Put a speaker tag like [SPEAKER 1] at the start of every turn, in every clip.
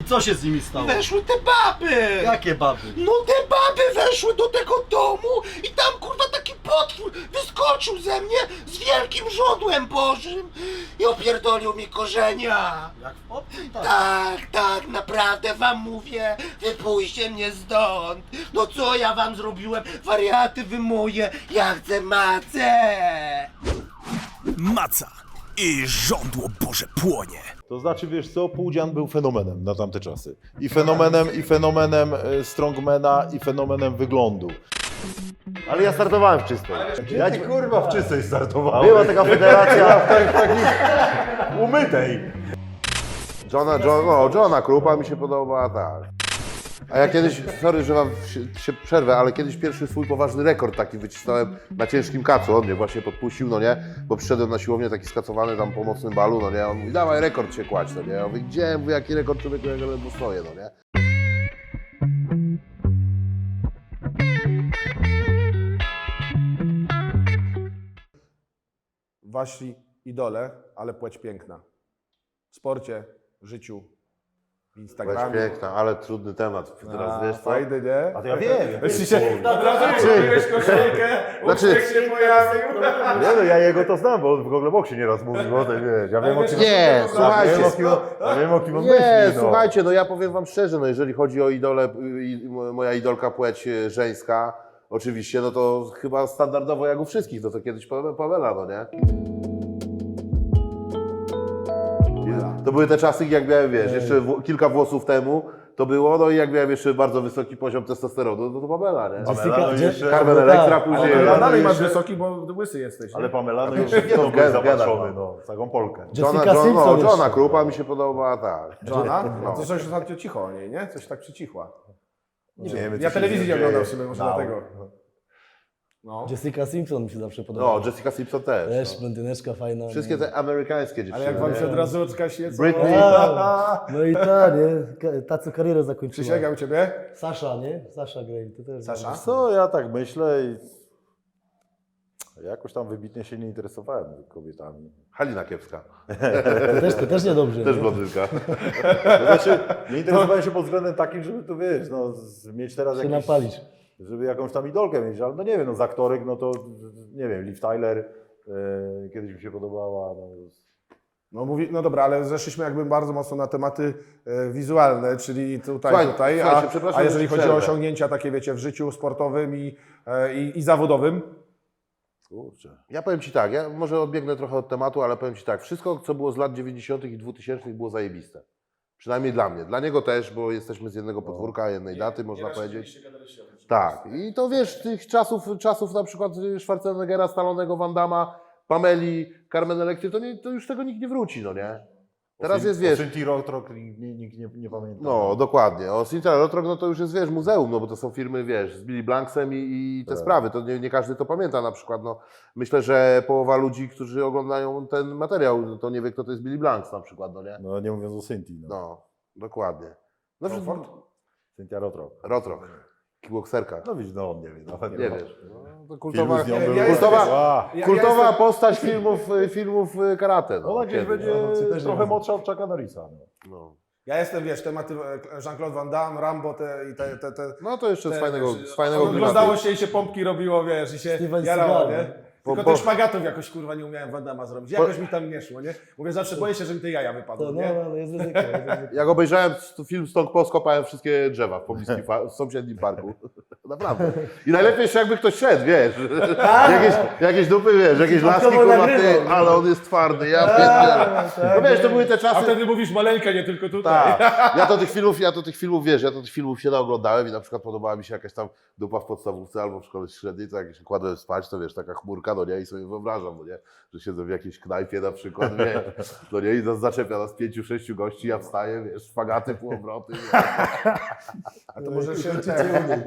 [SPEAKER 1] co się z nimi stało?
[SPEAKER 2] Weszły te baby!
[SPEAKER 1] Jakie baby?
[SPEAKER 2] No te baby weszły do tego domu i tam kurwa taki potwór wyskoczył ze mnie z wielkim żądłem bożym i opierdolił mi korzenia.
[SPEAKER 1] Jak w obcym tak?
[SPEAKER 2] Tak, naprawdę wam mówię, wypuśćcie mnie stąd. No co ja wam zrobiłem? Wariaty wy moje, ja chcę macę.
[SPEAKER 3] Maca i żądło Boże płonie.
[SPEAKER 4] To znaczy, wiesz co, Pudzian był fenomenem na tamte czasy. I fenomenem strongmana, i fenomenem wyglądu.
[SPEAKER 5] Ale ja startowałem w czystej.
[SPEAKER 4] Ja ci kurwa w czystej startowałem.
[SPEAKER 5] Była taka federacja
[SPEAKER 4] Takiej umytej.
[SPEAKER 5] Johna Krupa mi się podoba, tak. A ja kiedyś, sorry, że wam się przerwę, ale kiedyś pierwszy swój poważny rekord taki wycisnąłem na ciężkim kacu. On mnie właśnie podpuścił, no nie? Bo przyszedłem na siłownię taki skacowany tam po mocnym balu, no nie? On mówi, dawaj rekord się kładź, no nie? Ja mówię, gdzie? Mówię, jaki rekord, człowieku, jak ledwo stoję, no nie?
[SPEAKER 6] Wasi idole, ale płeć piękna. W sporcie, życiu, w
[SPEAKER 5] Weź
[SPEAKER 6] Instagramie.
[SPEAKER 5] piękna, ale trudny temat. Teraz wiesz co?
[SPEAKER 6] Fajny, nie?
[SPEAKER 4] A to ja wiem.
[SPEAKER 6] Jeśli się od razu kupiłeś koszulkę,
[SPEAKER 5] Znaczy-
[SPEAKER 6] uśmiech się pojawił.
[SPEAKER 4] Nie no, ja jego to znam, bo on w Google Boksie nieraz mówił o tym, wiesz. Ja wiem o kim
[SPEAKER 5] Nie, słuchajcie.
[SPEAKER 4] Ja wiem o kim on
[SPEAKER 5] Nie,
[SPEAKER 4] myśli, no.
[SPEAKER 5] słuchajcie, no ja powiem wam szczerze, no jeżeli chodzi o idole, moja idolka płeć żeńska, oczywiście, no to chyba standardowo jak u wszystkich, no to kiedyś Pamela, no nie? To były te czasy, jak miałem, wiesz, jeszcze kilka włosów temu to było, no i jak miałem jeszcze bardzo wysoki poziom testosteronu, no to Pamela, nie?
[SPEAKER 4] Pamela, no jeszcze...
[SPEAKER 5] Carmen Electra później...
[SPEAKER 6] Ale dalej masz
[SPEAKER 4] jeszcze-
[SPEAKER 6] wysoki, bo łysy jesteś.
[SPEAKER 4] Ale
[SPEAKER 6] Nie?
[SPEAKER 4] Pamela, no
[SPEAKER 5] Nie,
[SPEAKER 4] jeszcze
[SPEAKER 5] no,
[SPEAKER 4] to był
[SPEAKER 5] gen-
[SPEAKER 4] zapatrzony,
[SPEAKER 5] gen-
[SPEAKER 4] no, całą Polkę.
[SPEAKER 5] Johna Krupa mi się podoba, tak.
[SPEAKER 6] Johna?
[SPEAKER 5] No.
[SPEAKER 6] No to coś ostatnio cicho o niej, nie? Coś tak przycichła.
[SPEAKER 4] Nie wiemy, co
[SPEAKER 6] Ja
[SPEAKER 4] się
[SPEAKER 6] telewizji nie
[SPEAKER 4] dzieje.
[SPEAKER 6] oglądam w sumie, może
[SPEAKER 4] No.
[SPEAKER 6] dlatego. No.
[SPEAKER 7] Jessica Simpson mi się zawsze podobała.
[SPEAKER 5] No, Jessica Simpson też.
[SPEAKER 7] Też,
[SPEAKER 5] No.
[SPEAKER 7] blondyneczka fajna.
[SPEAKER 5] Wszystkie te amerykańskie dziewczyny.
[SPEAKER 6] Ale jak wam
[SPEAKER 5] nie?
[SPEAKER 6] się od razu oczka świecą...
[SPEAKER 5] Britney.
[SPEAKER 7] No i ta, nie? Ta, co karierę zakończyła.
[SPEAKER 6] Przysięgam ciebie?
[SPEAKER 7] Sasza, nie? Sasza Grey, to też.
[SPEAKER 6] Sasza?
[SPEAKER 4] Co, ja tak myślę i... Jakoś tam wybitnie się nie interesowałem kobietami.
[SPEAKER 5] Halina Kiepska.
[SPEAKER 7] To też niedobrze.
[SPEAKER 5] Też
[SPEAKER 7] nie?
[SPEAKER 5] blondynka.
[SPEAKER 4] To znaczy, nie interesowałem się pod względem takim, żeby tu, wiesz, no, mieć teraz
[SPEAKER 7] Się
[SPEAKER 4] jakiś...
[SPEAKER 7] napalić.
[SPEAKER 4] Żeby jakąś tam idolkę mieć, ale no nie wiem, no z aktorek, no to nie wiem, Liv Tyler kiedyś mi się podobała.
[SPEAKER 6] No dobra, ale zeszliśmy jakby bardzo mocno na tematy wizualne, czyli tutaj,
[SPEAKER 5] Słuchajcie, przepraszam,
[SPEAKER 6] a jeżeli
[SPEAKER 5] że
[SPEAKER 6] chodzi o
[SPEAKER 5] przerwę.
[SPEAKER 6] osiągnięcia takie, wiecie, w życiu sportowym i zawodowym?
[SPEAKER 5] Kurczę. Ja powiem Ci tak, ja może odbiegnę trochę od tematu, ale powiem Ci tak, wszystko co było z lat 90. i 2000 było zajebiste. Przynajmniej dla mnie. Dla niego też, bo jesteśmy z jednego podwórka, jednej daty, można powiedzieć. Tak. I to wiesz, tych czasów na przykład Schwarzeneggera, Stallonego, Van Damma, Pameli, Carmen Electry, to już tego nikt nie wróci, no nie? Teraz jest, wiesz...
[SPEAKER 4] Cinti Rotrock nikt nie pamięta.
[SPEAKER 5] No, dokładnie. O Cinti Rotrock, no to już jest, wiesz, muzeum, no bo to są firmy, wiesz, z Billy Blanksem i te sprawy. To nie każdy to pamięta na przykład, no. Myślę, że połowa ludzi, którzy oglądają ten materiał, to nie wie, kto to jest Billy Blanks na przykład, no nie?
[SPEAKER 4] No nie mówiąc o Cinti. No.
[SPEAKER 5] No, dokładnie. No,
[SPEAKER 4] Cintia Rotrock.
[SPEAKER 5] Rotrock. Kickboxerka.
[SPEAKER 4] No widzisz, no on nie wie nawet.
[SPEAKER 5] Nie
[SPEAKER 4] no.
[SPEAKER 5] wiesz. No, to
[SPEAKER 4] Filmy z nią były.
[SPEAKER 5] kultowa postać filmów karate. No,
[SPEAKER 4] Ona gdzieś
[SPEAKER 5] kiedyś.
[SPEAKER 4] będzie trochę młodsza od Chucka Norrisa. No.
[SPEAKER 5] No.
[SPEAKER 6] Ja jestem, wiesz, tematy Jean-Claude Van Damme, Rambo
[SPEAKER 5] No to jeszcze z fajnego
[SPEAKER 6] Oglądało
[SPEAKER 5] klimatu.
[SPEAKER 6] się i się pompki robiło, wiesz, i się
[SPEAKER 7] Steven
[SPEAKER 6] jarało,
[SPEAKER 7] Seagal,
[SPEAKER 6] nie? Tylko tych szpagatów jakoś, kurwa, nie umiałem Van Damma zrobić. Jakoś mi tam nie szło, nie? Mówię, zawsze boję się, że mi te jaja wypadną,
[SPEAKER 7] To,
[SPEAKER 6] nie?
[SPEAKER 7] no, jest ryzyko. Jest ryzyko.
[SPEAKER 5] Jak obejrzałem film Stąd skopałem wszystkie drzewa w pobliskim w sąsiednim parku. Naprawdę. I najlepiej jeszcze jakby ktoś szedł, wiesz. Jakieś dupy, wiesz, jakieś laski, kurwa, ty, ale on jest twardy, ja pierdzielę. No wiesz, to były te
[SPEAKER 6] A
[SPEAKER 5] czasy...
[SPEAKER 6] wtedy mówisz maleńka, nie tylko tutaj.
[SPEAKER 5] Tak. Ja to tych filmów się naoglądałem i na przykład podobała mi się jakaś tam dupa w podstawówce albo w szkole średniej, to jak się kładłem spać, to wiesz, taka chmurka, no nie, i sobie wyobrażam, no nie, że siedzę w jakiejś knajpie na przykład, wiesz, no nie, i nas zaczepia nas 5-6 gości, ja wstaję, wiesz, szpagaty, półobroty.
[SPEAKER 6] A to może się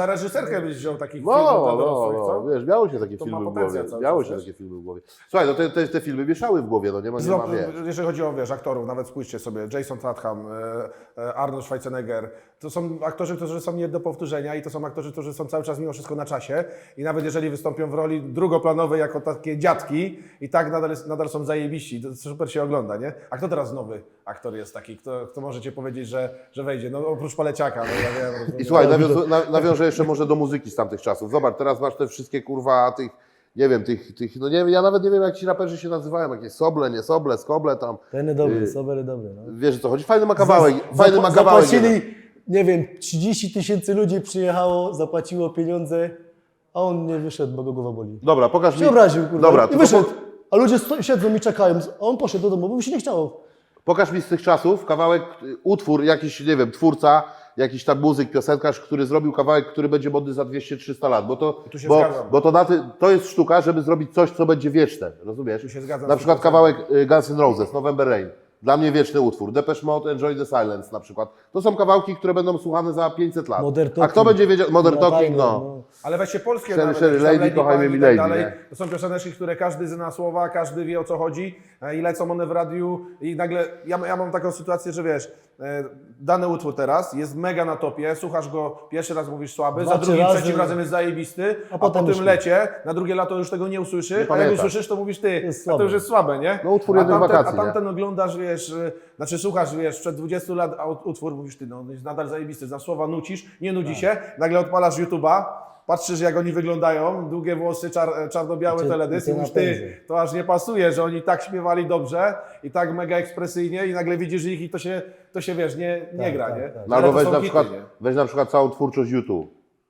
[SPEAKER 6] na reżyserkę byś wziął takich
[SPEAKER 5] No,
[SPEAKER 6] filmów dla
[SPEAKER 5] no,
[SPEAKER 6] dorosłych, co?
[SPEAKER 5] no, wiesz, miało się takie
[SPEAKER 6] To ma
[SPEAKER 5] filmy w
[SPEAKER 6] potencjał
[SPEAKER 5] głowie.
[SPEAKER 6] cały
[SPEAKER 5] Miało
[SPEAKER 6] czas,
[SPEAKER 5] się
[SPEAKER 6] wiesz?
[SPEAKER 5] takie filmy w głowie. Słuchaj, no te filmy mieszały w głowie, no nie ma wiesz.
[SPEAKER 6] Jeżeli chodzi o, wiesz, aktorów, nawet spójrzcie sobie, Jason Statham, Arnold Schwarzenegger, to są aktorzy, którzy są nie do powtórzenia i to są aktorzy, którzy są cały czas mimo wszystko na czasie i nawet jeżeli wystąpią w roli drugoplanowej jako takie dziadki i tak nadal są zajebiści, to super się ogląda, nie? A kto teraz nowy aktor jest taki, kto możecie powiedzieć, że wejdzie? No oprócz Paleciaka, no ja wiem. Rozumiem.
[SPEAKER 5] I słuchaj, nawiążę jeszcze może do muzyki z tamtych czasów. Zobacz, teraz masz te wszystkie kurwa tych, nie wiem, no nie wiem, ja nawet nie wiem jak ci raperzy się nazywają, jakieś Soble, nie Soble, Skoble tam.
[SPEAKER 7] Ten dobry, Sober dobry. No.
[SPEAKER 5] Wiesz o co chodzi? Fajny ma kawałek, fajny ma kawałek.
[SPEAKER 7] Zapłacili, nie wiem, 30 000 ludzi przyjechało, zapłaciło pieniądze, a on nie wyszedł, bo go głowa boli.
[SPEAKER 5] Dobra, pokaż mi.
[SPEAKER 7] Się obraził, kurwa,
[SPEAKER 5] Dobra,
[SPEAKER 7] i
[SPEAKER 5] to
[SPEAKER 7] wyszedł. A ludzie siedzą i czekają, a on poszedł do domu, bo mu się nie chciało.
[SPEAKER 5] Pokaż mi z tych czasów kawałek, utwór, jakiś, nie wiem, twórca, jakiś tam muzyk, piosenkarz, który zrobił kawałek, który będzie modny za 200-300 lat,
[SPEAKER 6] Tu się zgadzam.
[SPEAKER 5] bo to jest sztuka, żeby zrobić coś, co będzie wieczne, rozumiesz?
[SPEAKER 6] Tu się zgadzam
[SPEAKER 5] Na
[SPEAKER 6] z
[SPEAKER 5] przykład
[SPEAKER 6] 100%.
[SPEAKER 5] kawałek Guns N' Roses, November Rain. Dla mnie wieczny utwór. Depeche Mode, Enjoy the Silence na przykład. To są kawałki, które będą słuchane za 500 lat.
[SPEAKER 7] Modern
[SPEAKER 5] A kto
[SPEAKER 7] Talking.
[SPEAKER 5] będzie wiedział? Modern Talking,
[SPEAKER 7] Latajne,
[SPEAKER 5] no.
[SPEAKER 6] Ale weźcie polskie
[SPEAKER 5] Sherry,
[SPEAKER 6] nawet,
[SPEAKER 5] Sherry,
[SPEAKER 6] jakieś tam
[SPEAKER 5] Lady, kochajmy
[SPEAKER 6] Pani
[SPEAKER 5] mi
[SPEAKER 6] i tak
[SPEAKER 5] Lady,
[SPEAKER 6] dalej.
[SPEAKER 5] nie?
[SPEAKER 6] To są pioseneczki, które każdy zna słowa, każdy wie o co chodzi i lecą one w radiu i nagle, ja mam taką sytuację, że wiesz, dany utwór teraz jest mega na topie, słuchasz go, pierwszy raz mówisz słaby,
[SPEAKER 7] Dwa,
[SPEAKER 6] za
[SPEAKER 7] trzy
[SPEAKER 6] drugim,
[SPEAKER 7] razy.
[SPEAKER 6] trzecim razem jest zajebisty, a
[SPEAKER 7] potem
[SPEAKER 6] po
[SPEAKER 7] już
[SPEAKER 6] tym
[SPEAKER 7] nie.
[SPEAKER 6] lecie, na drugie lato już tego nie usłyszysz, a jak
[SPEAKER 5] pamiętasz.
[SPEAKER 6] usłyszysz, to mówisz ty,
[SPEAKER 7] jest
[SPEAKER 6] a to
[SPEAKER 7] słabe.
[SPEAKER 6] już jest słabe, nie?
[SPEAKER 5] No, utwór jednych wakacji,
[SPEAKER 6] A
[SPEAKER 5] nie?
[SPEAKER 6] tamten oglądasz, wiesz, znaczy słuchasz, wiesz, przed 20 lat utwór, mówisz ty, no jest nadal zajebisty, za słowa nucisz, nie nudzi się, nagle odpalasz YouTube'a, patrzysz jak oni wyglądają, długie włosy, czarno-białe
[SPEAKER 7] I te
[SPEAKER 6] teledysk i mówisz ty,
[SPEAKER 7] napędy.
[SPEAKER 6] to aż nie pasuje, że oni tak śpiewali dobrze i tak mega ekspresyjnie i nagle widzisz ich i to się wiesz, nie
[SPEAKER 7] Tak,
[SPEAKER 6] gra,
[SPEAKER 7] tak,
[SPEAKER 6] nie?
[SPEAKER 7] tak.
[SPEAKER 5] No
[SPEAKER 6] Ale
[SPEAKER 5] albo
[SPEAKER 6] to są hity, nie?
[SPEAKER 5] weź na przykład całą twórczość YouTube.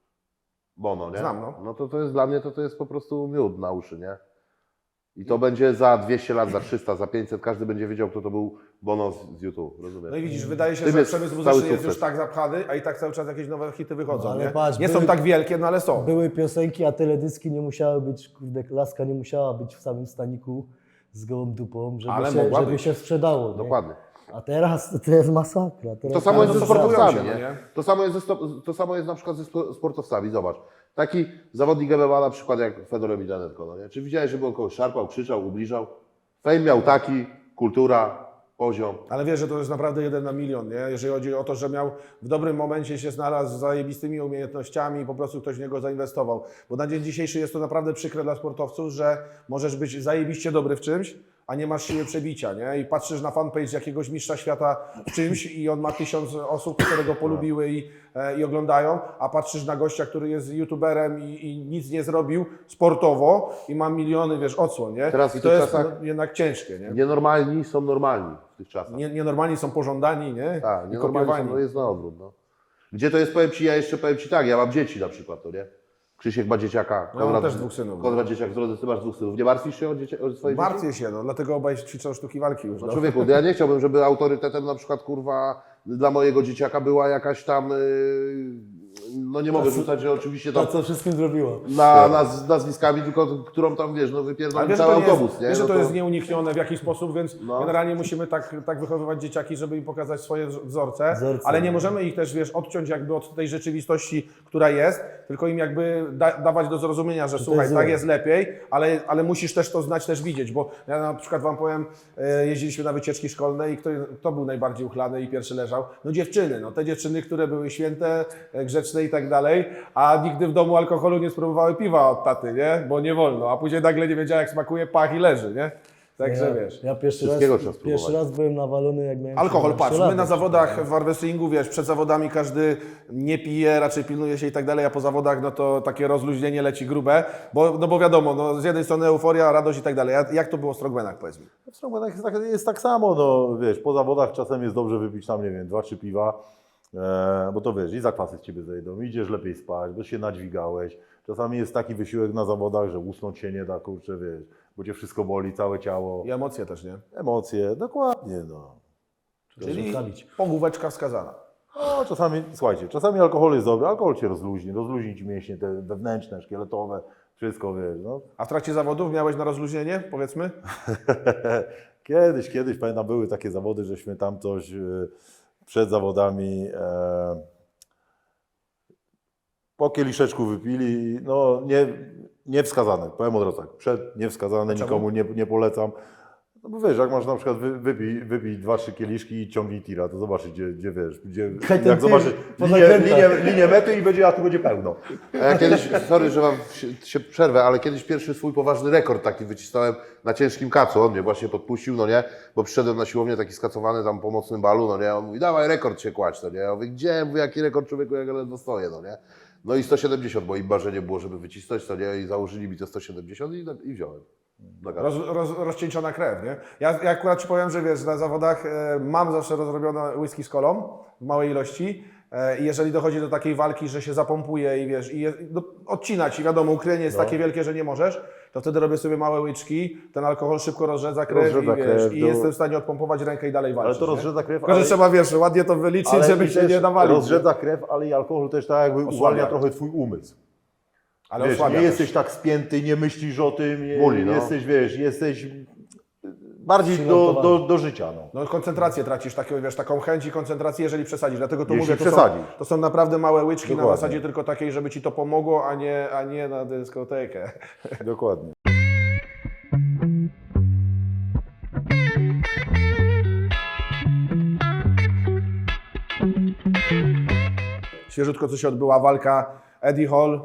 [SPEAKER 5] Bono, nie?
[SPEAKER 6] Znam, no.
[SPEAKER 5] No to jest dla mnie, to jest po prostu miód na uszy, nie? I to będzie za 200 lat, za 300, za 500, każdy będzie wiedział, kto to był Bono z YouTube, rozumiesz?
[SPEAKER 6] No i widzisz, wydaje się,
[SPEAKER 5] Tym
[SPEAKER 6] że
[SPEAKER 5] jest
[SPEAKER 6] przemysł
[SPEAKER 5] cały
[SPEAKER 6] muzyczny jest
[SPEAKER 5] sukces.
[SPEAKER 6] już tak zapchany, a i tak cały czas jakieś nowe hity wychodzą,
[SPEAKER 7] No, ale
[SPEAKER 6] nie?
[SPEAKER 7] patrz,
[SPEAKER 6] Nie są
[SPEAKER 7] były-
[SPEAKER 6] tak wielkie, no ale są.
[SPEAKER 7] Były piosenki, a teledyski nie musiały być, kurde, laska nie musiała być w samym staniku z gołą dupą,
[SPEAKER 6] Ale
[SPEAKER 7] żeby,
[SPEAKER 6] mogła
[SPEAKER 7] żeby
[SPEAKER 6] być.
[SPEAKER 7] się sprzedało. Nie?
[SPEAKER 5] Dokładnie.
[SPEAKER 7] A teraz to jest masakra. Teraz
[SPEAKER 5] To samo jest
[SPEAKER 6] to
[SPEAKER 5] ze
[SPEAKER 6] sportują
[SPEAKER 5] sportowcami,
[SPEAKER 6] się, no
[SPEAKER 5] nie?
[SPEAKER 6] nie?
[SPEAKER 5] To samo jest na przykład ze sportowcami, zobacz. Taki zawodnik MMA na przykład jak Fedor Emelianenko, no nie? Czy widziałeś, żeby on kogoś szarpał, krzyczał, ubliżał? Fame miał taki, kultura, poziom.
[SPEAKER 6] Ale wiesz, że to jest naprawdę 1 na milion, nie? Jeżeli chodzi o to, że miał w dobrym momencie się znalazł z zajebistymi umiejętnościami i po prostu ktoś w niego zainwestował. Bo na dzień dzisiejszy jest to naprawdę przykre dla sportowców, że możesz być zajebiście dobry w czymś, a nie masz siły przebicia, nie? I patrzysz na fanpage jakiegoś mistrza świata w czymś i on ma 1000 osób, które go polubiły i oglądają, a patrzysz na gościa, który jest youtuberem i nic nie zrobił sportowo i ma miliony, wiesz, odsłon, nie?
[SPEAKER 5] Teraz w
[SPEAKER 6] I to
[SPEAKER 5] tych
[SPEAKER 6] jest
[SPEAKER 5] czasach-
[SPEAKER 6] jednak ciężkie, nie?
[SPEAKER 5] Nienormalni są normalni w tych czasach.
[SPEAKER 6] Nienormalni są pożądani, nie?
[SPEAKER 5] Tak,
[SPEAKER 6] I
[SPEAKER 5] nienormalni są,
[SPEAKER 6] kopiowani.
[SPEAKER 5] no jest na odwrót, no. Gdzie to jest, powiem Ci, ja jeszcze powiem Ci tak, ja mam dzieci na przykład, to nie? Krzysiek ma dzieciaka,
[SPEAKER 6] Ja mam też 2 synów.
[SPEAKER 5] Konrad dzieciak, drodzy, Ty masz 2 synów. Nie martwisz się o swoje dzieci?
[SPEAKER 6] Martwię się, no, dlatego obaj ćwiczą sztuki walki już.
[SPEAKER 5] No
[SPEAKER 6] No.
[SPEAKER 5] człowieku, ja nie chciałbym, żeby autorytetem na przykład, kurwa, dla mojego dzieciaka była jakaś tam, no nie mogę rzucać, że oczywiście
[SPEAKER 7] Ta,
[SPEAKER 5] tam
[SPEAKER 7] co wszystkim zrobiła.
[SPEAKER 5] nazwiskami, tylko którą tam, wiesz, no
[SPEAKER 6] Ale
[SPEAKER 5] wypierdolę
[SPEAKER 6] wiesz,
[SPEAKER 5] cały
[SPEAKER 6] że to, nie
[SPEAKER 5] autobus,
[SPEAKER 6] jest,
[SPEAKER 5] nie?
[SPEAKER 6] wiesz, że
[SPEAKER 5] No
[SPEAKER 6] to jest nieuniknione w jakiś sposób, więc
[SPEAKER 5] No.
[SPEAKER 6] generalnie musimy tak wychowywać dzieciaki, żeby im pokazać swoje wzorce, ale nie możemy ich też, wiesz, odciąć jakby od tej rzeczywistości, która jest, tylko im jakby dawać do zrozumienia, że słuchaj,
[SPEAKER 7] jest
[SPEAKER 6] tak
[SPEAKER 7] złe.
[SPEAKER 6] jest lepiej, ale musisz też to znać, też widzieć, bo ja na przykład Wam powiem, jeździliśmy na wycieczki szkolne i kto był najbardziej uchlany i pierwszy leżał? No dziewczyny, no te dziewczyny, które były święte, grzeczne i tak dalej, a nigdy w domu alkoholu nie spróbowały piwa od taty, nie? Bo nie wolno, a później nagle nie wiedziała jak smakuje, pach i leży, nie? Także wiesz.
[SPEAKER 7] Ja
[SPEAKER 5] Wszystkiego trzeba spróbować.
[SPEAKER 7] pierwszy raz byłem nawalony, jak miałem
[SPEAKER 6] Alkohol,
[SPEAKER 7] 17
[SPEAKER 6] patrz,
[SPEAKER 7] lat.
[SPEAKER 6] my na zawodach w armwrestlingu, wiesz, przed zawodami każdy nie pije, raczej pilnuje się i tak dalej, a po zawodach no to takie rozluźnienie leci grube, bo wiadomo, no z jednej strony euforia, radość i tak dalej. A jak to było w strongmanach, powiedz mi?
[SPEAKER 4] W strongmanach jest tak samo, no wiesz, po zawodach czasem jest dobrze wypić tam, nie wiem, 2-3 piwa, bo to wiesz, i zakwasy z Ciebie zejdą, idziesz lepiej spać, bo się nadźwigałeś. Czasami jest taki wysiłek na zawodach, że usnąć się nie da, kurczę, wiesz, bo Cię wszystko boli, całe ciało,
[SPEAKER 6] I emocje też, nie?
[SPEAKER 4] emocje, dokładnie, no.
[SPEAKER 6] Czyli
[SPEAKER 7] zostawić.
[SPEAKER 6] pogłóweczka wskazana.
[SPEAKER 4] No, czasami, słuchajcie, czasami alkohol jest dobry, alkohol Cię rozluźni Ci mięśnie te wewnętrzne, szkieletowe, wszystko, wiesz, no.
[SPEAKER 6] A w trakcie zawodów miałeś na rozluźnienie, powiedzmy?
[SPEAKER 4] Kiedyś, pamiętam, były takie zawody, żeśmy tam coś przed zawodami Po kieliszeczku wypili, no niewskazane, powiem od razu tak, niewskazane, nikomu nie polecam. No bo wiesz, jak masz na przykład wypij 2-3 kieliszki i ciągnij tira, to zobaczysz, gdzie wiesz,
[SPEAKER 7] Kaj ten
[SPEAKER 4] jak
[SPEAKER 7] tir
[SPEAKER 4] zobaczysz
[SPEAKER 7] po zakrętach.
[SPEAKER 4] linię mety a tu będzie pełno.
[SPEAKER 5] A ja kiedyś, sorry, że wam się przerwę, ale kiedyś pierwszy swój poważny rekord taki wycisnąłem na ciężkim kacu. On mnie właśnie podpuścił, no nie, bo przyszedłem na siłownię taki skacowany tam po mocnym balu, no nie, on mówi, dawaj rekord się kładź, no nie. Ja mówię, gdzie, mówię, jaki rekord, człowieku, jak ja ledwo stoję, no nie. No i 170, bo im marzenie było, żeby wycisnąć, to nie, i założyli mi te 170 i wziąłem.
[SPEAKER 6] Rozcieńczona krew, nie? Ja akurat Ci powiem, że wiesz, na zawodach mam zawsze rozrobione whisky z kolą w małej ilości i jeżeli dochodzi do takiej walki, że się zapompuje i wiesz, odcina Ci, wiadomo, ukrycie jest takie wielkie, że nie możesz, to wtedy robię sobie małe łyczki, ten alkohol szybko rozrzedza krew, i jestem w stanie odpompować rękę i dalej walczyć.
[SPEAKER 4] Ale to
[SPEAKER 6] nie?
[SPEAKER 4] rozrzedza krew,
[SPEAKER 6] Tylko, że trzeba, wiesz, ładnie to wyliczyć, żeby się nie nawalić.
[SPEAKER 4] rozrzedza krew, ale i alkohol też tak jakby uwalnia trochę twój umysł.
[SPEAKER 6] Ale
[SPEAKER 4] Wiesz,
[SPEAKER 6] osłabia
[SPEAKER 4] nie
[SPEAKER 6] też.
[SPEAKER 4] jesteś tak spięty, nie myślisz o tym,
[SPEAKER 5] Muli, no.
[SPEAKER 4] jesteś bardziej do życia. No.
[SPEAKER 6] No koncentrację tracisz, taką chęć i koncentrację, jeżeli przesadzisz. Dlatego to
[SPEAKER 4] Jeśli
[SPEAKER 6] mówię,
[SPEAKER 4] przesadzisz.
[SPEAKER 6] to są naprawdę małe łyczki
[SPEAKER 4] Dokładnie.
[SPEAKER 6] na zasadzie tylko takiej, żeby Ci to pomogło, a nie na dyskotekę.
[SPEAKER 4] Dokładnie.
[SPEAKER 6] Świeżutko co się odbyła walka Eddie Hall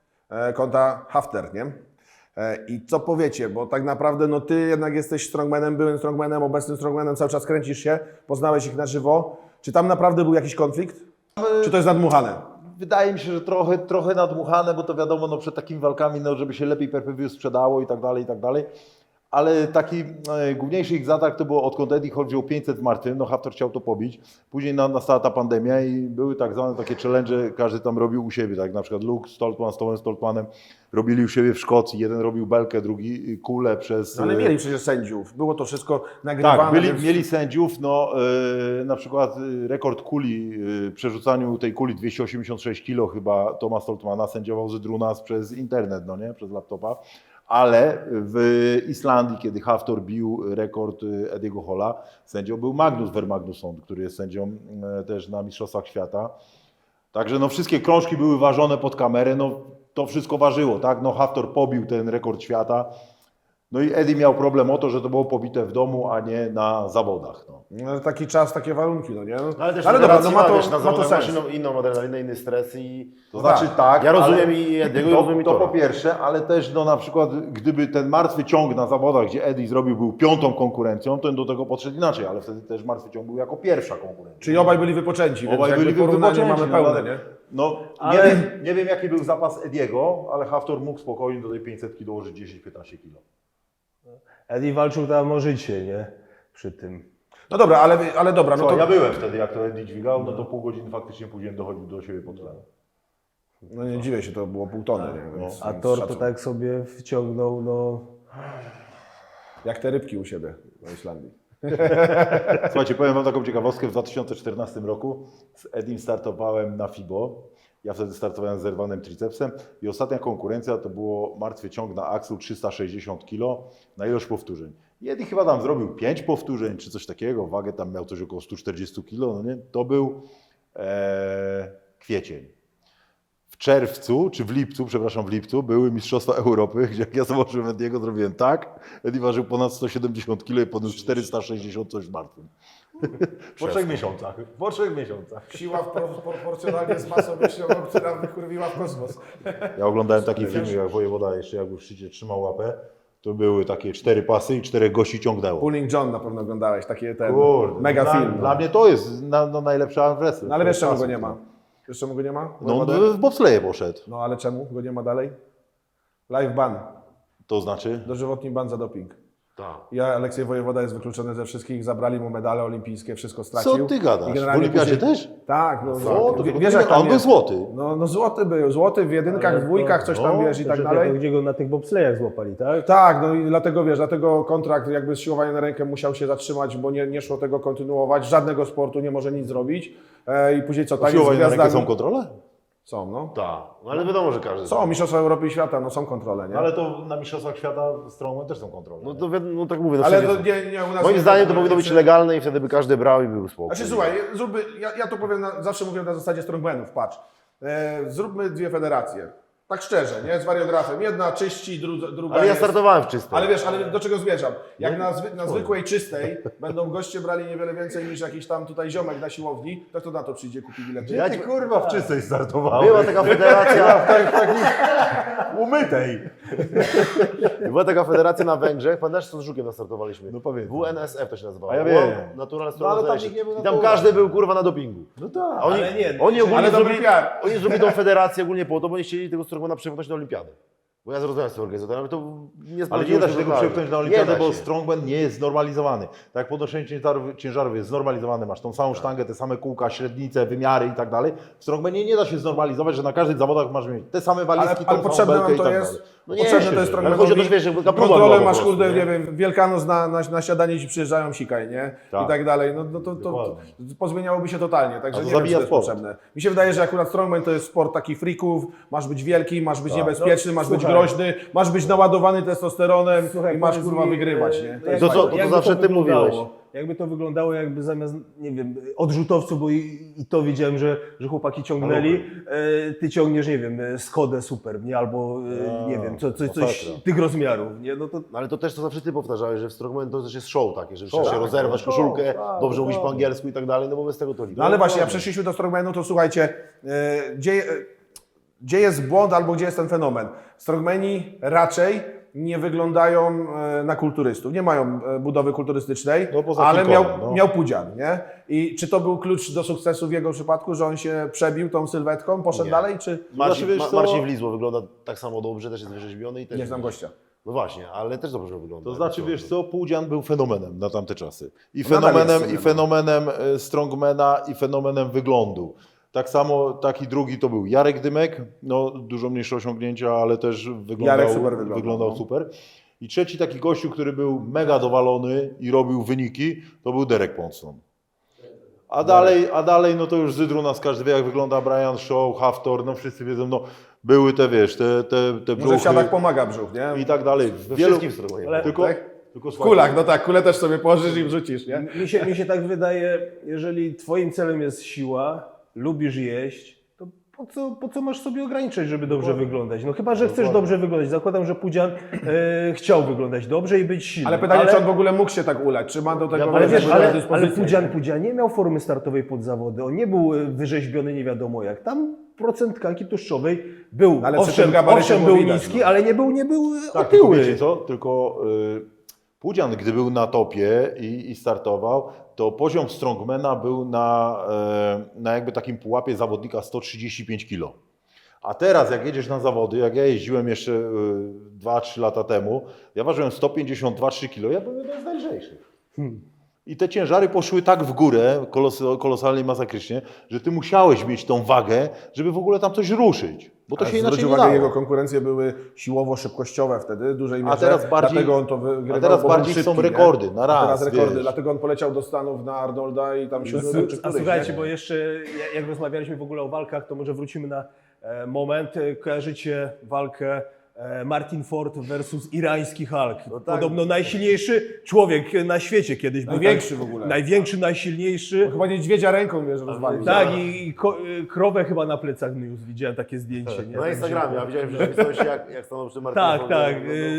[SPEAKER 6] kontra Hafter, nie? I co powiecie, bo tak naprawdę no Ty jednak jesteś strongmanem, byłym strongmanem, obecnym strongmanem, cały czas kręcisz się, poznałeś ich na żywo. Czy tam naprawdę był jakiś konflikt? Czy to jest nadmuchane?
[SPEAKER 4] Wydaje mi się, że trochę nadmuchane, bo to wiadomo, no przed takimi walkami, no żeby się lepiej pay-per-view sprzedało i tak dalej, i tak dalej. Ale taki główniejszy ich zatarg to było, odkąd Eddie Hall wziął 500 martwym, no Haftor chciał to pobić. Później nastała ta pandemia i były tak zwane takie challenge, każdy tam robił u siebie, tak na przykład Luke Stoltman z Tomem Stoltmanem robili u siebie w Szkocji, jeden robił belkę, drugi kulę przez...
[SPEAKER 6] No ale mieli przecież sędziów, było to wszystko nagrywane.
[SPEAKER 4] Tak,
[SPEAKER 6] więc...
[SPEAKER 4] mieli sędziów, no na przykład rekord kuli, przerzucaniu tej kuli 286 kg chyba Toma Stoltmana sędziował Zydrunas przez internet, no nie, przez laptopa. Ale w Islandii, kiedy Haftor bił rekord Ediego Halla, sędzią był Magnus Vermagnusson, który jest sędzią też na Mistrzostwach Świata. Także no wszystkie krążki były ważone pod kamerę, no to wszystko ważyło, tak? No Haftor pobił ten rekord świata. No i Eddie miał problem o to, że to było pobite w domu, a nie na zawodach. No.
[SPEAKER 6] No, taki czas, takie warunki, no nie? No,
[SPEAKER 1] Ale też
[SPEAKER 6] dobra, no ma to,
[SPEAKER 1] wiesz, na
[SPEAKER 6] ma to
[SPEAKER 1] zawodach masz
[SPEAKER 6] sens.
[SPEAKER 1] inną adrenalinę, inny stres i...
[SPEAKER 4] To znaczy tak,
[SPEAKER 1] Ja rozumiem
[SPEAKER 4] ale
[SPEAKER 1] i Ediego, i rozumiem i
[SPEAKER 4] to
[SPEAKER 1] Tora.
[SPEAKER 4] po pierwsze, ale też no na przykład gdyby ten martwy ciąg na zawodach, gdzie Eddie zrobił, był 5. konkurencją, to do tego podszedł inaczej, ale wtedy też martwy ciąg był jako 1. konkurencja.
[SPEAKER 6] Czyli obaj byli wypoczęci, więc
[SPEAKER 4] Obaj
[SPEAKER 6] jakby
[SPEAKER 4] byli
[SPEAKER 6] porównanie
[SPEAKER 4] wypoczęci,
[SPEAKER 6] mamy
[SPEAKER 4] no,
[SPEAKER 6] pełne, nie?
[SPEAKER 4] No
[SPEAKER 7] Ale-
[SPEAKER 4] nie wiem jaki był zapas Ediego, ale Haftor mógł spokojnie do tej 500 dołożyć 10-15 kg.
[SPEAKER 7] Eddie walczył tam o życie, nie? Przy tym.
[SPEAKER 6] No dobra, ale dobra, no
[SPEAKER 4] Co,
[SPEAKER 6] to...
[SPEAKER 4] ja byłem wtedy, jak to Eddie dźwigał, no to pół godziny faktycznie później dochodził do siebie pod tlenem.
[SPEAKER 6] No nie dziwię się, to było pół tony, nie? Więc,
[SPEAKER 7] A
[SPEAKER 6] więc
[SPEAKER 7] Thor to
[SPEAKER 6] szacun.
[SPEAKER 7] tak sobie wciągnął, no...
[SPEAKER 6] Jak te rybki u siebie na Islandii.
[SPEAKER 4] Słuchajcie, powiem wam taką ciekawostkę. W 2014 roku z Edim startowałem na FIBO. Ja wtedy startowałem z zerwanym tricepsem i ostatnia konkurencja to było martwy ciąg na Axlu 360 kg na ilość powtórzeń. I Eddie chyba tam zrobił 5 powtórzeń czy coś takiego, wagę tam miał coś około 140 kg, no nie? To był kwiecień. W czerwcu, czy w lipcu, przepraszam, w lipcu były Mistrzostwa Europy, gdzie jak ja zobaczyłem Ediego, zrobiłem tak. Eddie ważył ponad 170 kg i podniósł 460 coś w martwym. Po 3 miesiącach. Po 3 miesiącach.
[SPEAKER 6] Siła proporcjonalnie z masą myślową, która wykurwiła w kosmos.
[SPEAKER 4] Ja oglądałem taki film, jak wojewoda jeszcze jak w szczycie trzymał łapę, to były takie 4 pasy i 4 gości ciągnęło.
[SPEAKER 6] Pulling John na pewno oglądałeś, taki ten
[SPEAKER 4] Kurde,
[SPEAKER 6] mega
[SPEAKER 4] dla,
[SPEAKER 6] film.
[SPEAKER 4] Dla mnie to jest najlepszy arm wrestling.
[SPEAKER 6] No ale wiesz czemu
[SPEAKER 4] Pasy.
[SPEAKER 6] go nie ma? Wiesz czemu go nie ma?
[SPEAKER 4] No on w bobsleje poszedł.
[SPEAKER 6] No ale czemu go nie ma dalej? Live ban,
[SPEAKER 4] To znaczy?
[SPEAKER 6] dożywotni ban za doping.
[SPEAKER 1] Tak.
[SPEAKER 6] Ja, Aleksiej Wojewoda jest wykluczony ze wszystkich, zabrali mu medale olimpijskie, wszystko stracił.
[SPEAKER 4] Co ty gadasz?
[SPEAKER 6] I
[SPEAKER 4] W
[SPEAKER 6] generalnie
[SPEAKER 4] olimpiadzie
[SPEAKER 6] później-
[SPEAKER 4] też?
[SPEAKER 6] Tak, no
[SPEAKER 4] O, to
[SPEAKER 6] wiesz jak
[SPEAKER 4] a
[SPEAKER 6] tam
[SPEAKER 4] on był
[SPEAKER 6] jest.
[SPEAKER 4] złoty.
[SPEAKER 6] No złoty był, złoty w jedynkach, w dwójkach, coś tam
[SPEAKER 4] no,
[SPEAKER 6] wiesz i tak
[SPEAKER 7] Że
[SPEAKER 6] dalej.
[SPEAKER 7] Gdzie go na tych bobslejach złapali, tak?
[SPEAKER 6] Tak, no i dlatego wiesz, dlatego kontrakt jakby z siłowania na rękę musiał się zatrzymać, bo nie szło tego kontynuować. Żadnego sportu nie może nic zrobić. I później co, tak
[SPEAKER 4] Siłowanie na rękę
[SPEAKER 6] gwiazdami-
[SPEAKER 4] są kontrole?
[SPEAKER 6] Są, no.
[SPEAKER 1] Tak, no ale wiadomo, że każdy...
[SPEAKER 6] Są Mistrzostwa Europy i Świata, no są kontrole, nie?
[SPEAKER 4] Ale to na Mistrzostwach Świata Strongman też są kontrole.
[SPEAKER 1] No, to, no tak mówię, no
[SPEAKER 6] Ale
[SPEAKER 1] wszędzie
[SPEAKER 6] to
[SPEAKER 1] są.
[SPEAKER 6] nie u nas
[SPEAKER 1] Moim
[SPEAKER 6] nie
[SPEAKER 1] zdaniem to
[SPEAKER 6] tak,
[SPEAKER 1] powinno być
[SPEAKER 6] że-
[SPEAKER 1] legalne i wtedy by każdy brał i był spokój.
[SPEAKER 6] Znaczy słuchaj, ja to powiem, zawsze mówię na zasadzie strongmanów, patrz. Zróbmy dwie federacje. Tak szczerze, nie? Z wariografem. Jedna czyści, druga
[SPEAKER 1] Ale ja
[SPEAKER 6] jest...
[SPEAKER 1] startowałem w czystym.
[SPEAKER 6] Ale wiesz, ale do czego zmierzam? Jak na zwykłej czystej będą goście brali niewiele więcej niż jakiś tam tutaj ziomek na siłowni, to kto na to przyjdzie, kupi bilety?
[SPEAKER 4] Ja ci kurwa w czystej startowałem.
[SPEAKER 1] Była taka federacja,
[SPEAKER 4] Umytej.
[SPEAKER 1] była taka federacja na Węgrzech, pamiętasz co z Żukiem nastartowaliśmy?
[SPEAKER 4] No pamiętam.
[SPEAKER 1] WNSF to się nazywało.
[SPEAKER 4] A ja wiem.
[SPEAKER 1] Natural
[SPEAKER 4] No, ale tam
[SPEAKER 1] Strongman
[SPEAKER 4] nikt nie był
[SPEAKER 1] I tam
[SPEAKER 4] natural.
[SPEAKER 1] każdy był kurwa na dopingu.
[SPEAKER 4] No tak.
[SPEAKER 1] A oni,
[SPEAKER 7] Ale nie,
[SPEAKER 1] oni ogólnie
[SPEAKER 6] ale dobry
[SPEAKER 1] zrobili,
[SPEAKER 6] PR.
[SPEAKER 1] oni zrobili tą federację ogólnie po to, bo nie chcieli tego Strongmana przepchnąć na olimpiadę. Bo ja zrozumiałem z tym organizatorem, to nie
[SPEAKER 4] Ale
[SPEAKER 1] sprawdziło
[SPEAKER 4] nie da
[SPEAKER 1] się
[SPEAKER 4] się tego
[SPEAKER 1] totalnie.
[SPEAKER 4] przepchnąć na
[SPEAKER 1] Nie
[SPEAKER 4] olimpiadę,
[SPEAKER 1] da
[SPEAKER 4] bo
[SPEAKER 1] się.
[SPEAKER 4] strongman nie jest znormalizowany. Tak jak podnoszenie ciężarów jest znormalizowany, masz tą samą sztangę, te same kółka, średnice, wymiary i tak dalej. W strongmanie nie da się znormalizować, że na każdych zawodach masz mieć te same walizki,
[SPEAKER 6] Ale
[SPEAKER 4] tą samą
[SPEAKER 6] potrzebne
[SPEAKER 4] belkę
[SPEAKER 6] nam
[SPEAKER 4] i
[SPEAKER 6] to
[SPEAKER 4] tak
[SPEAKER 6] jest.
[SPEAKER 4] dalej.
[SPEAKER 1] No nie,
[SPEAKER 6] Potrzebne to
[SPEAKER 1] się,
[SPEAKER 6] jest
[SPEAKER 1] ale chodzi o to, że wiesz, żeby ta próba była
[SPEAKER 6] kontrolę
[SPEAKER 1] po
[SPEAKER 6] masz,
[SPEAKER 1] prostu,
[SPEAKER 6] kurde,
[SPEAKER 1] nie?
[SPEAKER 6] nie wiem, Wielkanoc na śniadanie ci przyjeżdżają, sikaj, nie?
[SPEAKER 4] Tak.
[SPEAKER 6] I tak dalej. No to
[SPEAKER 4] Dokładnie.
[SPEAKER 6] pozmieniałoby się totalnie, także
[SPEAKER 4] A to
[SPEAKER 6] nie wiem, czy
[SPEAKER 4] zabija
[SPEAKER 6] to jest
[SPEAKER 4] sport.
[SPEAKER 6] potrzebne. Mi się wydaje, że akurat strongman to jest sport takich freaków, masz być wielki, masz być
[SPEAKER 4] Tak.
[SPEAKER 6] niebezpieczny, masz być
[SPEAKER 7] słuchaj.
[SPEAKER 6] groźny, masz być naładowany testosteronem
[SPEAKER 7] Słuchaj,
[SPEAKER 6] i masz
[SPEAKER 7] powiedz
[SPEAKER 6] kurwa
[SPEAKER 7] mi,
[SPEAKER 6] wygrywać, nie?
[SPEAKER 7] jak-
[SPEAKER 1] To co, to
[SPEAKER 7] jakby
[SPEAKER 1] zawsze ty
[SPEAKER 7] wyglądało?
[SPEAKER 1] mówiłeś.
[SPEAKER 7] Jakby to wyglądało, jakby zamiast, nie wiem, odrzutowców, bo i to wiedziałem, że chłopaki ciągnęli, ty ciągniesz, nie wiem, Skodę Super, nie? Albo, nie wiem, coś
[SPEAKER 4] masakra.
[SPEAKER 7] tych rozmiarów, nie? No to
[SPEAKER 1] No ale to też to zawsze ty powtarzałeś, że w Strongman to też jest show takie, że
[SPEAKER 4] Show,
[SPEAKER 1] trzeba się
[SPEAKER 4] tak,
[SPEAKER 1] rozerwać
[SPEAKER 4] show,
[SPEAKER 1] koszulkę,
[SPEAKER 4] tak,
[SPEAKER 1] dobrze mówić po
[SPEAKER 4] dokładnie.
[SPEAKER 1] angielsku i tak dalej, no bo bez tego to liczy.
[SPEAKER 6] No ale właśnie, jak przeszliśmy do strongmanu, to słuchajcie, gdzie jest błąd albo gdzie jest ten fenomen? Strongmani raczej nie wyglądają na kulturystów, nie mają budowy kulturystycznej,
[SPEAKER 4] No, poza
[SPEAKER 6] ale
[SPEAKER 4] kilkorem, no.
[SPEAKER 6] miał pudzian, nie? I czy to był klucz do sukcesu w jego przypadku, że on się przebił tą sylwetką, poszedł
[SPEAKER 1] Nie.
[SPEAKER 6] dalej, czy
[SPEAKER 1] Marcin,
[SPEAKER 4] Znaczy, wiesz co?
[SPEAKER 1] Marcin Wlizło wygląda tak samo dobrze, też jest wyrzeźbiony i też...
[SPEAKER 6] nie znam gościa?
[SPEAKER 1] No właśnie, ale też dobrze wygląda.
[SPEAKER 4] To znaczy, wiesz co, Pudzian był fenomenem na tamte czasy. I
[SPEAKER 6] No nadal jest
[SPEAKER 4] fenomenem, i fenomenem strongmana, i fenomenem wyglądu. Tak samo, taki drugi to był Jarek Dymek, no dużo mniejsze osiągnięcia, ale też
[SPEAKER 6] Jarek super wyglądał, no.
[SPEAKER 4] super. I trzeci taki gościu, który był mega dowalony i robił wyniki, to był Derek Ponson. A dalej, no to już Zydru nas każdy wie, jak wygląda Brian Shaw, Haftor, no wszyscy wiedzą, no były te, wiesz, te
[SPEAKER 6] Może w
[SPEAKER 4] brzuchy
[SPEAKER 6] siadach pomaga brzuch, nie?
[SPEAKER 4] i tak dalej.
[SPEAKER 1] We wszystkim w Strongmanie.
[SPEAKER 4] Tylko,
[SPEAKER 6] Tak?
[SPEAKER 4] tylko
[SPEAKER 6] W kulach, no tak, kulę też sobie położysz i wrzucisz, nie?
[SPEAKER 7] mi się tak wydaje, jeżeli twoim celem jest siła, lubisz jeść, to po co masz sobie ograniczać, żeby dobrze wyglądać? No chyba, że chcesz dobrze wyglądać. Zakładam, że Pudzian chciał wyglądać dobrze i być silny.
[SPEAKER 6] Ale pytanie, czy on w ogóle mógł się tak ulać, czy ma do tego
[SPEAKER 7] Ale wiesz, ale
[SPEAKER 6] dyspozycję?
[SPEAKER 7] Pudzian nie miał formy startowej pod zawody, on nie był wyrzeźbiony nie wiadomo jak. Tam procent tkanki tłuszczowej był,
[SPEAKER 6] Ale przy tym gabarycie
[SPEAKER 7] owszem
[SPEAKER 6] było
[SPEAKER 7] był
[SPEAKER 6] widać,
[SPEAKER 7] niski,
[SPEAKER 6] no.
[SPEAKER 7] ale nie był
[SPEAKER 4] Tak, tylko
[SPEAKER 7] otyły.
[SPEAKER 4] wiecie co, tylko Pudzian, gdy był na topie i startował, to poziom strongmana był na jakby takim pułapie zawodnika 135 kg. A teraz jak jedziesz na zawody, jak ja jeździłem jeszcze 2-3 lata temu, ja ważyłem 152-3 kg, ja byłem jeden z najlżejszych. I te ciężary poszły tak w górę, kolosalnie, masakrycznie, że ty musiałeś mieć tą wagę, żeby w ogóle tam coś ruszyć. Bo to się inaczej
[SPEAKER 6] Zwróć
[SPEAKER 4] nie
[SPEAKER 6] uwagę,
[SPEAKER 4] dało.
[SPEAKER 6] jego konkurencje były siłowo-szybkościowe wtedy, w dużej mierze.
[SPEAKER 4] teraz bardziej-
[SPEAKER 6] Dlatego on to wygrywał,
[SPEAKER 4] a teraz
[SPEAKER 6] bo był
[SPEAKER 4] bardziej są
[SPEAKER 6] szybki, nie?
[SPEAKER 4] rekordy na raz,
[SPEAKER 6] A teraz rekordy,
[SPEAKER 4] wiesz.
[SPEAKER 6] dlatego on poleciał do Stanów na Arnolda i tam się czy
[SPEAKER 7] A
[SPEAKER 6] któryś,
[SPEAKER 7] słuchajcie,
[SPEAKER 6] nie?
[SPEAKER 7] bo jeszcze jak rozmawialiśmy w ogóle o walkach, to może wrócimy na moment. Kojarzycie walkę Martin Ford versus irański Hulk. Podobno najsilniejszy człowiek na świecie kiedyś był.
[SPEAKER 6] Największy
[SPEAKER 7] tak,
[SPEAKER 6] w ogóle.
[SPEAKER 7] Największy, najsilniejszy.
[SPEAKER 6] Chyba niedźwiedzia ręką, wiesz, rozwalił.
[SPEAKER 7] Tak, i krowę chyba na plecach niósł. Widziałem takie zdjęcie. Nie?
[SPEAKER 1] Na Instagramie, a widziałem w rzeczywistości, jak stanął przy Martinie.
[SPEAKER 7] Tak, tak.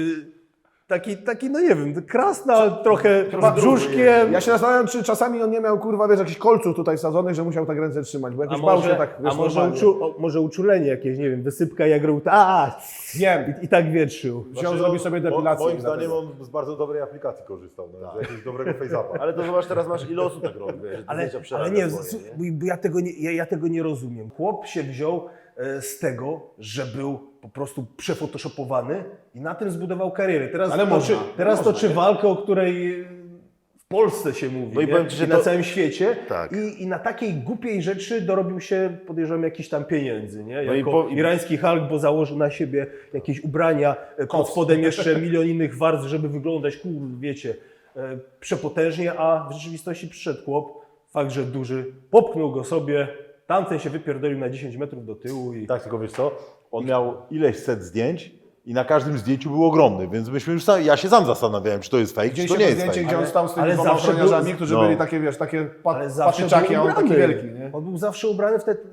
[SPEAKER 7] Taki, no nie wiem, krasna, trochę z brzuszkiem.
[SPEAKER 6] Ja się zastanawiam, czy czasami on nie miał, kurwa, wiesz, jakichś kolców tutaj wsadzonych, że musiał tak ręce trzymać, bo jakoś bał się tak, wiesz, normalnie.
[SPEAKER 7] może uczulenie jakieś, nie wiem, wysypka jak robił,
[SPEAKER 6] Wiem.
[SPEAKER 7] i tak wietrzył.
[SPEAKER 6] Wziął, zrobił sobie depilację.
[SPEAKER 4] Moim
[SPEAKER 6] i
[SPEAKER 4] zdaniem
[SPEAKER 6] dlatego.
[SPEAKER 4] on z bardzo dobrej aplikacji korzystał, no, z jakiegoś dobrego face-upa.
[SPEAKER 1] Ale to zobacz, teraz masz ile osób tak robi, wiesz,
[SPEAKER 7] Ale nie, bo ja tego nie rozumiem. Chłop się wziął z tego, że był po prostu przefotoshopowany i na tym zbudował karierę. Teraz
[SPEAKER 6] Ale
[SPEAKER 7] toczy walkę, o której w Polsce się mówi,
[SPEAKER 1] No i
[SPEAKER 7] nie?
[SPEAKER 1] powiem ci, że
[SPEAKER 7] I na
[SPEAKER 1] to-
[SPEAKER 7] całym świecie.
[SPEAKER 1] Tak.
[SPEAKER 7] I na takiej głupiej rzeczy dorobił się, podejrzewam, jakichś tam pieniędzy. Nie?
[SPEAKER 1] No i
[SPEAKER 7] Jako
[SPEAKER 1] po-
[SPEAKER 7] irański Hulk, bo założył na siebie jakieś ubrania, pod spodem jeszcze milion innych warstw, żeby wyglądać, wiecie, przepotężnie, a w rzeczywistości przyszedł chłop, fakt, że duży, popchnął go sobie, tamten się wypierdolił na 10 metrów do tyłu i...
[SPEAKER 4] Tak, tylko wiesz co, on miał ileś set zdjęć i na każdym zdjęciu był ogromny, więc myśmy już ja się sam zastanawiałem, czy to jest fake, czy to
[SPEAKER 6] Widzieliście
[SPEAKER 4] nie
[SPEAKER 6] to
[SPEAKER 4] jest
[SPEAKER 6] zdjęcie,
[SPEAKER 4] fake.
[SPEAKER 6] gdzie on stał z tymi
[SPEAKER 7] ale
[SPEAKER 6] dwoma
[SPEAKER 7] zawsze
[SPEAKER 6] ochroniarzami,
[SPEAKER 7] był-
[SPEAKER 6] którzy
[SPEAKER 4] no.
[SPEAKER 6] byli takie, wiesz, takie
[SPEAKER 7] Ale zawsze
[SPEAKER 6] patyczaki,
[SPEAKER 7] był
[SPEAKER 6] a on taki
[SPEAKER 7] ubrany.
[SPEAKER 6] wielki, nie?
[SPEAKER 7] On był zawsze ubrany w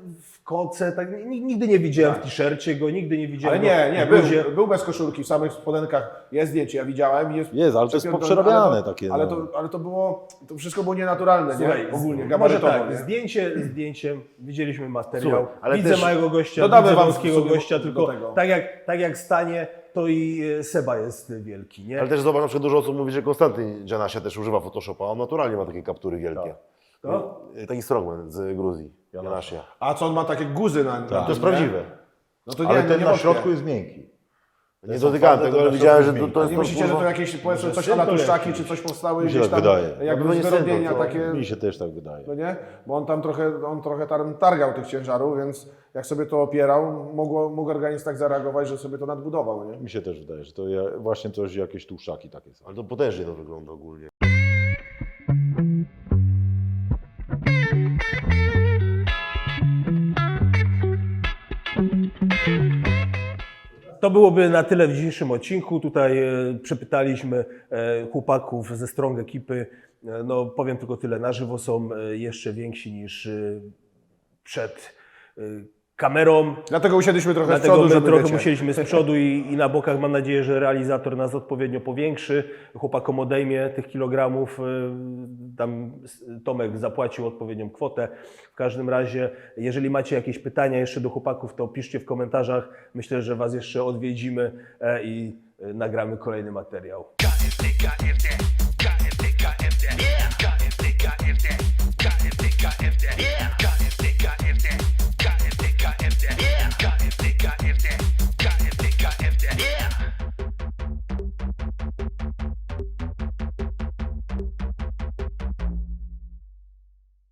[SPEAKER 7] koce, tak, nigdy nie widziałem w t-shircie go, nigdy nie widziałem
[SPEAKER 6] Ale nie,
[SPEAKER 7] go w bluzie.
[SPEAKER 6] był bez koszulki, w samych spodenkach jest zdjęcie, ja widziałem.
[SPEAKER 4] Jest, ale to jest poprzerabiane takie.
[SPEAKER 6] Ale
[SPEAKER 4] no.
[SPEAKER 6] to wszystko było nienaturalne,
[SPEAKER 7] Słuchaj,
[SPEAKER 6] nie? Ogólnie,
[SPEAKER 7] może
[SPEAKER 6] gabarytowo,
[SPEAKER 7] tak,
[SPEAKER 6] nie?
[SPEAKER 7] zdjęciem widzieliśmy materiał,
[SPEAKER 1] Słuchaj, ale
[SPEAKER 7] widzę
[SPEAKER 1] też
[SPEAKER 7] małego gościa,
[SPEAKER 6] dodamy
[SPEAKER 7] widzę
[SPEAKER 6] wam
[SPEAKER 7] wąskiego
[SPEAKER 6] sobie
[SPEAKER 7] gościa,
[SPEAKER 6] do
[SPEAKER 7] tylko
[SPEAKER 6] tego.
[SPEAKER 7] tak jak stanie, to i Seba jest wielki, nie?
[SPEAKER 1] Ale też zobacz, na przykład dużo osób mówi, że Konstantyn Janasia też używa Photoshopa, on naturalnie ma takie kaptury wielkie.
[SPEAKER 7] To?
[SPEAKER 1] Taki strongman z Gruzji, Janasia.
[SPEAKER 6] A co on ma takie guzy na nim?
[SPEAKER 1] To jest prawdziwe.
[SPEAKER 6] No to
[SPEAKER 4] Ale
[SPEAKER 6] nie,
[SPEAKER 4] ten
[SPEAKER 6] nie
[SPEAKER 4] na
[SPEAKER 6] wątpię.
[SPEAKER 4] środku jest miękki.
[SPEAKER 1] Nie dotykałem tego, ale widziałem, że to jest...
[SPEAKER 6] Nie myślicie, że to jakieś, powiedzmy, coś na tłuszczaki, czy coś powstały
[SPEAKER 4] Mi się
[SPEAKER 6] gdzieś
[SPEAKER 4] tak
[SPEAKER 6] tam,
[SPEAKER 4] wydaje.
[SPEAKER 6] jakby
[SPEAKER 1] No
[SPEAKER 6] z
[SPEAKER 1] nie
[SPEAKER 6] wyrobienia
[SPEAKER 1] sędzą, to
[SPEAKER 6] takie,
[SPEAKER 4] Mi się też tak wydaje.
[SPEAKER 6] no nie? Bo on tam trochę targał tych ciężarów, więc jak sobie to opierał, mógł organizm tak zareagować, że sobie to nadbudował, nie?
[SPEAKER 4] Mi się też wydaje, że to właśnie coś, jakieś tłuszczaki takie są.
[SPEAKER 1] Ale to potężnie to wygląda ogólnie.
[SPEAKER 7] To byłoby na tyle w dzisiejszym odcinku. Tutaj przepytaliśmy chłopaków ze Strong ekipy. No powiem tylko tyle, na żywo są jeszcze więksi niż przed kamerą.
[SPEAKER 6] Dlatego usiedliśmy trochę z
[SPEAKER 7] Dlatego
[SPEAKER 6] przodu,
[SPEAKER 7] my
[SPEAKER 6] żeby
[SPEAKER 7] trochę
[SPEAKER 6] wiecie.
[SPEAKER 7] musieliśmy z przodu i na bokach. Mam nadzieję, że realizator nas odpowiednio powiększy. Chłopakom odejmie tych kilogramów. Tam Tomek zapłacił odpowiednią kwotę. W każdym razie, jeżeli macie jakieś pytania jeszcze do chłopaków, to piszcie w komentarzach. Myślę, że Was jeszcze odwiedzimy i nagramy kolejny materiał.
[SPEAKER 3] KFD, KFD, KFD, KFD, KFD, KFD, KFD.